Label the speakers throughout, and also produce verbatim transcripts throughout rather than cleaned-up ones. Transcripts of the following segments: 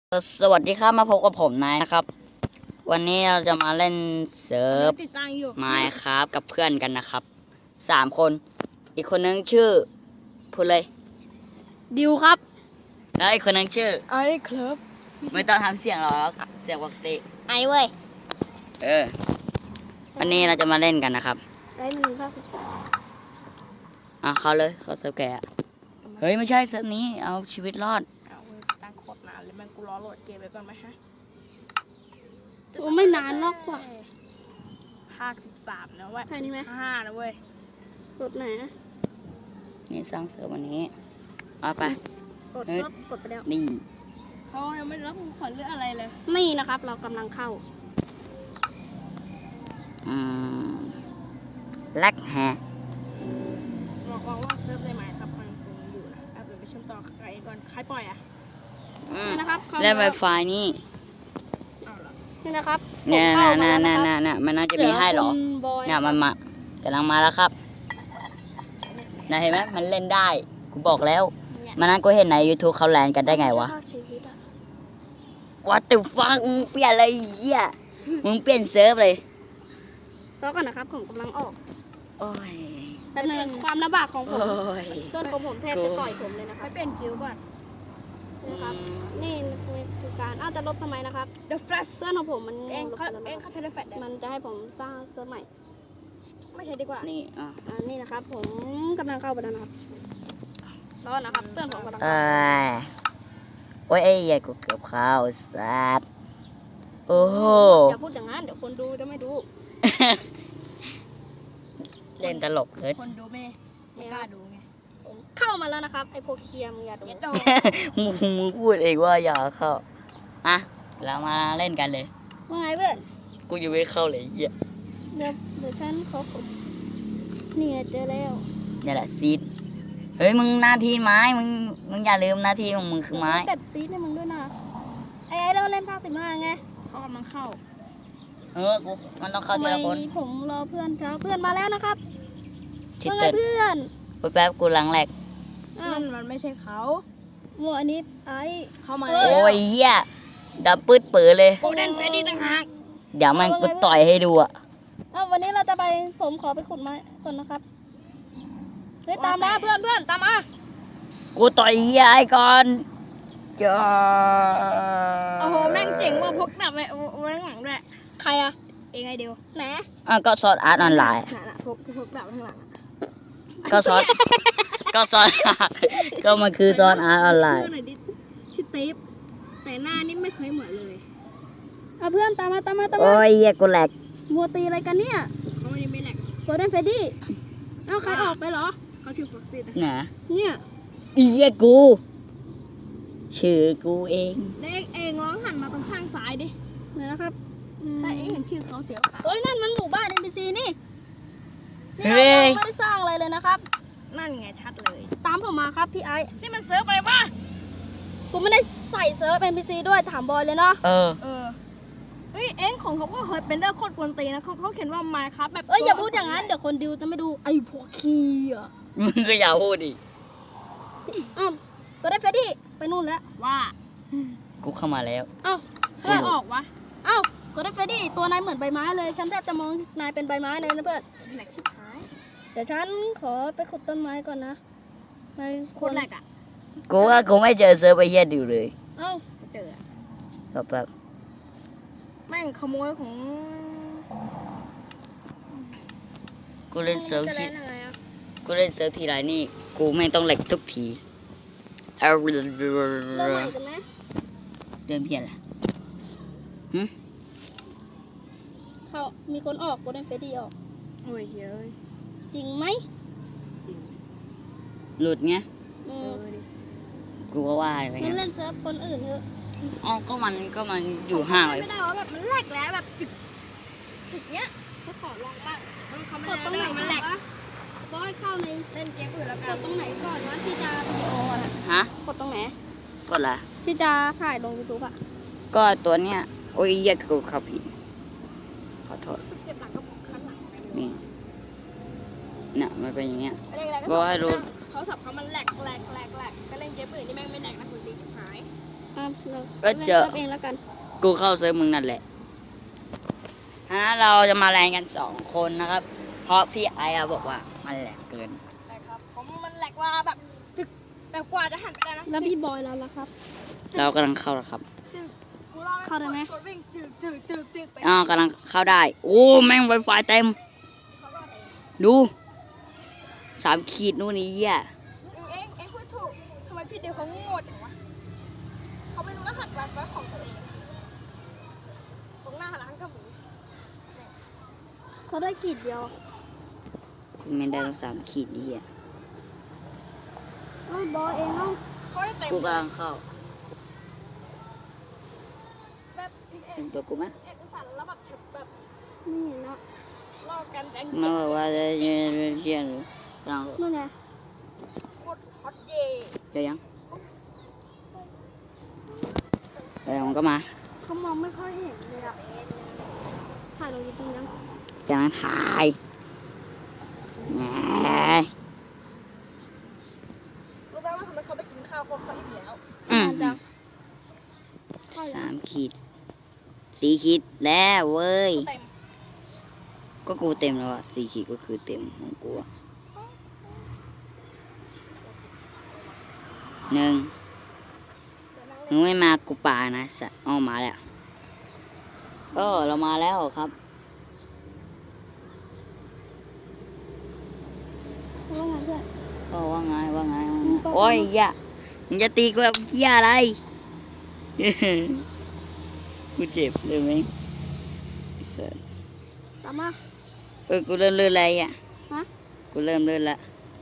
Speaker 1: สวัสดีครับมาพบกับผมนายนะครับวันนี้เราจะมาเล่นเซิร์ฟไมค์ครับกับเพื่อนกันนะครับสามคนอีกคนนึงชื่อพูดเลย
Speaker 2: ดิวครับ
Speaker 1: แล้วอีกคนนึงชื่อ
Speaker 2: ไอ้ครับ
Speaker 1: ไม่ต้องทำเสียงหรอกเสียงปกติ
Speaker 2: ไอ้เว้ย
Speaker 1: เออวันนี้เราจะมาเล่นกันนะครับ
Speaker 2: ไอ้หนึ่งห้าสิบสาม
Speaker 1: อ่ะเขาเลยเขาเซิร์ฟแกเฮ้ยไม่ใช่เซิร์ฟนี้เอาชีวิตรอด
Speaker 3: ตั้งโคตรนานเลยมันกูรอโหลดเกมไว้ก่อนไหมฮะ
Speaker 2: โอ้ไม่นานหรอกว่ะ
Speaker 3: ห้าสิบสามนะเว้ย
Speaker 2: ใช่นี่ไหม
Speaker 3: ห้านะเว้ย
Speaker 2: กดไหนนะ
Speaker 1: นี่สร้างเซิร์ฟวันนี้เอาไป
Speaker 2: กดครับกดไปแล้ว
Speaker 1: นี่
Speaker 3: เขายังไม่รับขอเลือกอะไรเลย
Speaker 2: นี่นะครับเรากำลังเข้า
Speaker 1: อืมแล็กแฮ
Speaker 3: บอกว่าเซิร์ฟได้ไหมครับฟังเสียงอยู่นะเอาไปเชื่อมต่อใครก่อนใครปล่อยอ่ะ
Speaker 2: นี่นะครับ
Speaker 1: เล่นไวไฟนี่
Speaker 2: นี่นะครับ
Speaker 1: เนี่ยน่ะน่ะน่ะน่ะมันน่าจะมีให้หรอเนี่ยมันมากำลังมาแล้วครับน่ะเห็นไหมมันเล่นได้กูบอกแล้วมันนั้นกูเห็นใน YouTube เขาแลนกันได้ไงวะวัดตึกฟังมึงเปลี่ยนอะไรเหี้ยมึงเปลี่ยนเซิร์ฟเลย
Speaker 2: รอก่อนนะครับผมกำลังออก
Speaker 1: โอ้ย
Speaker 2: แต่ในความลำบากของผมต้นของผมแทบจะต่อยผมเลยนะครับ
Speaker 3: ไปเปลี่ยนคิวก่อน
Speaker 2: นะครับนี่คือการอ้าวจะลบทำไมนะครับ
Speaker 3: The Flash
Speaker 2: เพื่อนของผมมัน
Speaker 3: เองเขาเองเขาใช้ได้แฟลช
Speaker 2: มันจะให้ผมสร้างเซิร์ฟใหม่
Speaker 3: ไม่ใช่ดีกว่า
Speaker 1: นี่อ่ะ
Speaker 2: อ่านี่นะครับผมกำลังเข้าไปแล้วนะครับรอนะครับเพื่อนผมกำลัง
Speaker 1: เอ้ยโอ้ยไอ้ยัยกูเกือบเข้าสัตว์โอ้โห
Speaker 2: อย่าพูดอย่างนั้นเดี๋ยวคนดูจะไม่ดู
Speaker 1: เล่นตลกเลย
Speaker 3: คนดูไม่ไม่กล้าดูไง
Speaker 2: เข้ามาแล้วนะครับไอ้พวกเคียมอย่าดู
Speaker 1: มึงมึงพูดเองว่าอย่าเข้าอ่ะเรามาเล่นกันเลย
Speaker 2: ว่าไงเพื่อน
Speaker 1: กูยังไม่เข้าเลยเหี้ย
Speaker 2: เดี๋ยวเดี๋ยวฉันขอผมนี่เจอแล้ว
Speaker 1: นี่แหละซีดเฮ้ยมึงหน้าที่ไม้มึงมึงอย่าลืมหน้าที่ของมึงคือไม้
Speaker 2: แบบซีดให้มึงด้วยนะไอ้ไอ้เราเล่นภาคสิบห้าไง
Speaker 3: เขากำลังเข้า
Speaker 1: เออกูมันต้องเข้าทีละคน
Speaker 2: ผมรอเพื่อนเช้าเพื่อนมาแล้วนะครับเพื่อนเพื่อน
Speaker 1: แป๊บกูหลังแหลก
Speaker 3: นั่นมันไม่ใช่เขา
Speaker 2: โมอันนี้ไอ้
Speaker 3: เข้ามา
Speaker 1: โอ้ยเหี้ยดับปืดปื้อเลย
Speaker 3: โกลเด้นเฟรดดี้ต่างหาก
Speaker 1: เดี๋ยวมันกูต่อยให้ดูอ่ะ
Speaker 2: เอ้าวันนี้เราจะไปผมขอไปขุดไม้ก่อนนะครับเฮ้ยตามมาเพื่อนเพื่อนตามมา
Speaker 1: กูต่อยเหี้ยไอ้ก่อนจ้า
Speaker 3: โอ้โหแม่งเจ๋งว่ะพกดาบไว้ไว้หลังด้วย
Speaker 2: ใครอะ
Speaker 3: เองไงเดียว
Speaker 2: แหน
Speaker 1: อ่ะก็สอนอาร์ตออนไลน์
Speaker 3: น่ะพกพกดาบข้างหลัง
Speaker 1: ก็สอนก็สอนก็มันคือสอนอาร์ตออนไลน์
Speaker 3: ชื่อติ๊บแต่หน้านี่ไม่เคยเหมือนเลย
Speaker 2: เอาเพื่อนตามมาตามมาตามมา
Speaker 1: โอ้ยเหี้ยกูแหลก
Speaker 2: มัวตีอะไรกันเนี่ย
Speaker 3: เขาไม่ไม่แหลก
Speaker 2: โกลเด้นเฟรดดี้เอ้าใครออกไปเหรอ
Speaker 3: เขาชื่อฟ็อกซี่
Speaker 1: นะ
Speaker 2: เนี่ย
Speaker 1: อีเหี้ยกูชื่อกูเอง
Speaker 3: เด็กเองลองหันมาตรงข้างซ้ายดิ
Speaker 2: ไหนนะครับ
Speaker 3: ถ้าเองเห็นชื่อเขาเสียขาว
Speaker 2: เฮ้ยนั่นมันหมู่บ้าน เอ็น พี ซี นี่นี่เราไม่ได้สร้างอะไรเลยนะครับ
Speaker 3: นั่นไงชัดเลย
Speaker 2: ตามผมมาครับพี่ไอ้
Speaker 3: นี่มันเซิร์ฟอะไรวะ
Speaker 2: กูไม่ได้ใส่เซิร์ฟ เอ็น พี ซี ด้วยถามบอยเลยเนาะ
Speaker 1: เออ
Speaker 3: เออเฮ้ยเอ็งของเขาก็เคยเป็นเรื่องโคตรกวนตีนะเขาเขาเขียนว่าไมค์ครับแบบ
Speaker 2: เอ้ยอย่าพูดอย่างนั้นเดี๋ยวคนดิวจะไม่ดูไอ้พวกขี้อ่ะ
Speaker 1: มึงก็อย่าพูดดิ
Speaker 2: อ้าวก็ได้เฟรดดี้ไปนู่นแล้ว
Speaker 3: ว่า
Speaker 1: กูเข้ามาแล้ว
Speaker 2: เอ้า
Speaker 3: เพื่อนออกวะ
Speaker 2: เอ้าก็ได้เฟรดดี้ตัวนายเหมือนใบไม้เลยฉันแทบจะมองนายเป็นใบไม้เลยนะเพื่อน
Speaker 3: แหลกชิบหาย
Speaker 2: เดี๋ยวฉันขอไปขุดต้นไม้ก่อนนะนาย
Speaker 3: โคตรแหลกอ่ะ
Speaker 1: กูว่ากูไม่เจอเซิร์ฟไปเฮียดิวเลย
Speaker 2: เอ้า
Speaker 3: เจอ
Speaker 1: แบบแบบ
Speaker 3: แม่งขโมยของ
Speaker 1: กูเล่นเซิร์ฟที่กูเล่นเซิร์ฟทีไรนี่กูไม่ต้องแหลกทุกทีเริ่ม
Speaker 2: ใหม่กันไหม
Speaker 1: เริ่มเพี้ยนละฮึ
Speaker 2: เขามีคนออกกูได้เฟรดดี้ออก
Speaker 3: โอ้ยเฮ้ย
Speaker 2: จริงไหม
Speaker 3: จริง
Speaker 1: หลุดไง
Speaker 2: อืม
Speaker 1: กูก็ว่าไป
Speaker 2: งั้นเล่นเซิร์ฟคนอื่นเถอะ
Speaker 1: อ๋อก็มันก็มันอยู่ห่างเลย
Speaker 3: ไม่ได้ว่าแบบมันแหลกแล้วแบบจุดจุดเนี้ย
Speaker 2: เขาขอลองบ้าง
Speaker 3: มันเขาไม่
Speaker 2: กดตรงไหน
Speaker 3: มันแหลก
Speaker 2: บอยเข้าใน
Speaker 3: เล่นเกมอื่นแล้วกัน
Speaker 2: กดตรงไหนก่อนวะที่จะวิดีโออะ
Speaker 1: ฮะ
Speaker 2: กดตรงไหน
Speaker 1: กดละ
Speaker 2: ที่จะถ่ายลงยูทูบอะ
Speaker 1: ก็ตัวเนี้ยโอ้ยแยกกูขับผิดขอโทษ
Speaker 3: เจ็บหลังก็ข้างหลัง
Speaker 1: นี่น่ะมันเป็นอย่างเงี้ยบอกให้รู้
Speaker 3: เขาสับเขามันแหลกแหลกแหลกแหลกก็เล่นเกมอื่นนี่แม่งไม่แหลกนะคุณตีหาย
Speaker 2: อ่ะเรา
Speaker 1: ก็เจอ
Speaker 2: เองแล้วกัน
Speaker 1: กูเข้าเซิร์ฟมึงนั่นแหละฮะเราจะมาแรงกันสองคนนะครับ เพราะพี่ไอ้อะบอกว่ามันแหลกเกิน
Speaker 3: ใช่ครับผมมันแหลกว่าแบบตึกแบบกว่าจะหันไปได้นะ
Speaker 2: แล้วพี่บอยเราล่ะครับ
Speaker 1: เรากำลังเข้าแล้วครับ
Speaker 3: ตึกกูรอ
Speaker 2: เข้าได้ไหม
Speaker 3: กดวิ่งตึกตึกตึกตึกไป
Speaker 1: อ๋อกำลังเข้าได้ โอ้แม่งไวไฟเต็ม
Speaker 3: เขาก็เอง
Speaker 1: ดูสามขีดนู่นนี่อ่ะ
Speaker 3: เองเองพูดถูกทำไมพี่เดียวเขาโง่จังวะเขาไม่รู้รหัสไวไฟของตัวเองตรงหน้าร้านกระหมู
Speaker 2: เขาได้ขีดเดียว
Speaker 1: ไม่ได้ต้องสามขีดนี่อ่ะ
Speaker 2: เอ้าบอยเองเอ้า
Speaker 3: เขาได้เต็ม
Speaker 1: กูกำลังเข้า
Speaker 3: แบบเอง
Speaker 1: เห็นตัวกูไหม
Speaker 3: เอกสารแล้วแบบฉบแบบ
Speaker 2: ไม่เห็นนะ
Speaker 3: ลอกกันแดง
Speaker 1: มาบอกว่าจะเรียนเรียนกำลัง
Speaker 2: นู่นไง
Speaker 3: โคตรฮอตเย่
Speaker 1: เดี๋ยวยังเดี๋ยวมันก็มา
Speaker 2: เขามองไม่ค่อยเห็นเลยอะถ่ายลงยูทูบยัง
Speaker 1: กำลังถ่ายแหม
Speaker 3: รู้ไหมว่าทำไมเขาไปกินข้าวเพราะเขาอิ่มแล้ว
Speaker 1: อืม
Speaker 2: จัง
Speaker 1: สามขีดสี่ขีดแล้วเว้ย
Speaker 3: เต็ม
Speaker 1: ก็กูเต็มแล้วอ่ะสี่ขีดก็คือเต็มของกูอะหนึ่งมึงไม่มากูป่านะสะอ้อมาแล้วก็เรามาแล้วครับ
Speaker 2: ว่าไงเพื่อน
Speaker 1: ก็ว่าไงว่าไงว่าไงโอ้ยอย่ามึงจะตีกูแบบเหี้ยอะไร กูเจ็บเลยไหมไอ้สัส
Speaker 2: ตามมา
Speaker 1: เออกูเริ่มเลื่อนอะไรอ่ะ
Speaker 2: ฮะ
Speaker 1: กูเริ่มเลื่อนละ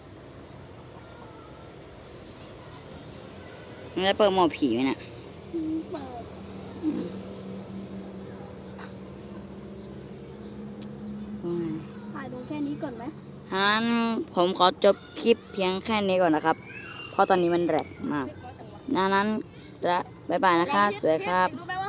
Speaker 1: มึงได้เปิดหมอผีไหมน่ะ
Speaker 2: อืมเปิดถ่ายลงแค่นี้ก่อนไหม
Speaker 1: ฉะนั้นผมขอจบคลิปเพียงแค่นี้ก่อนนะครับ เพราะตอนนี้มันแรกมากดังนั้นจะบ๊ายบายนะคะ สวัสดีครับ
Speaker 3: รู้ไหมว่า